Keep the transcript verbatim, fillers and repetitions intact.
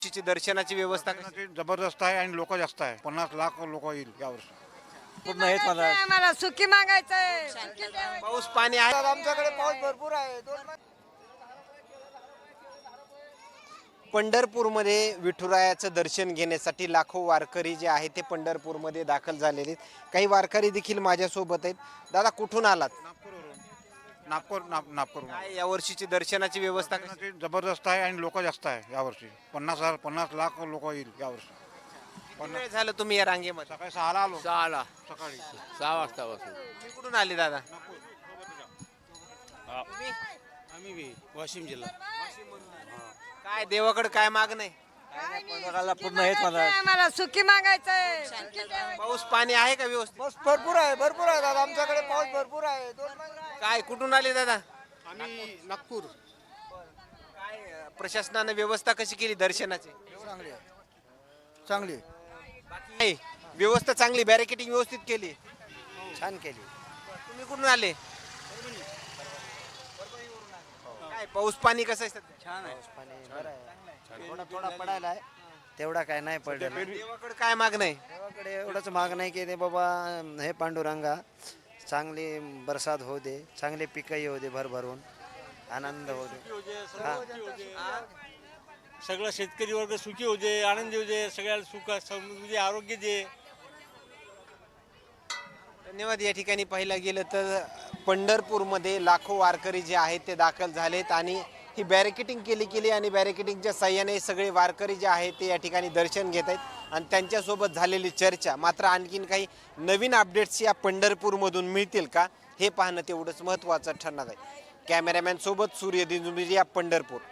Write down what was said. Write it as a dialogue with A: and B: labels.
A: ची दर्शनाची व्यवस्था कशी?
B: दर्शनाची जबरदस्त आहे आणि लोक जास्त आहे. पन्नास लाख लोक येईल यावर्षी.
C: पूर्ण हेच मला
D: मला सुखी मागायचंय सुखी द्यावं.
A: पाऊस पाणी आहे?
C: आमच्याकडे पाऊस भरपूर आहे.
A: पंढरपूरमध्ये विठुरायाचं दर्शन घेण्यासाठी लाखो वारकरी जे आहे ते पंढरपूरमध्ये दाखल झालेले आहेत. काही वारकरी देखील माझ्यासोबत आहेत. दादा कुठून आलात?
B: नागपूरवरून नागपूर नाग नागपूर
A: काय यावर्षीची दर्शनाची व्यवस्था कशी?
B: दर्शनाची जबरदस्त आहे आणि लोक जास्त आहे यावर्षी. पन्नास हजार पन्नास लाख लोक येईल यावर्षी.
A: किती वेळ झालं तुम्ही या रांगेमध्ये?
B: सकाळी सहाला आलो.
E: सहाला
B: सकाळी
E: सहा वाजता बसून
A: तुम्ही कुठून आले दादा?
E: आम्ही बी वाशिम जिल्हा
A: काय देवाकडे काय मागणं आहे?
C: पूर्ण हेच मला
D: मला सुखी मागायचंय सुखी द्यावं.
A: पाऊस पाणी आहे का व्यवस्थित?
C: पाऊस भरपूर आहे भरपूर आहे दादा आमच्याकडे पाऊस भरपूर आहे. दोन महिने
A: काय कुठून आले दादा?
B: आम्ही नागपूर.
A: काय अं, प्रशासनाने व्यवस्था कशी केली दर्शनाची?
C: चांगली आहे चांगली
A: बाकी व्यवस्था चांगली, बॅरिकेटिंग व्यवस्थित केली.
C: छान केली.
A: तुम्ही कुठून आले? काय पाऊस पाणी कसं आहे सध्या?
C: छान आहे पाणी बरं आहे. थोडा थोडा पडायला आहे तेवढा काय नाही पडलेला.
A: देवाकडे काय मागणं आहे?
C: देवाकडे एवढंच माग नाही की ते बाबा हे पांडुरंगा चांगली बरसात होऊ दे, चांगले पिकं येऊ दे भरभरून, आनंद होऊ दे. हा.
F: सगळं शेतकरी वर्ग सुखी होऊ दे, आनंदी होऊ दे, सगळ्याला सुख समृद्धी आरोग्य दे.
A: धन्यवाद. या ठिकाणी पाहिलं गेलं तर पंढरपूरमध्ये लाखो वारकरी जे आहेत ते दाखल झालेत आणि ही बॅरिकेटिंग केली गेली आणि बॅरिकेटिंगच्या साह्याने सगळे वारकरी जे आहेत ते या ठिकाणी दर्शन घेत आहेत आणि त्यांच्यासोबत झालेली चर्चा. मात्र आणखीन काही नवीन अपडेट्स या पंढरपूरमधून मिळतील का हे पाहणं तेवढंच महत्त्वाचं ठरणार आहे. कॅमेरामॅन सोबत सूर्य दिनुमिरिया, पंढरपूर.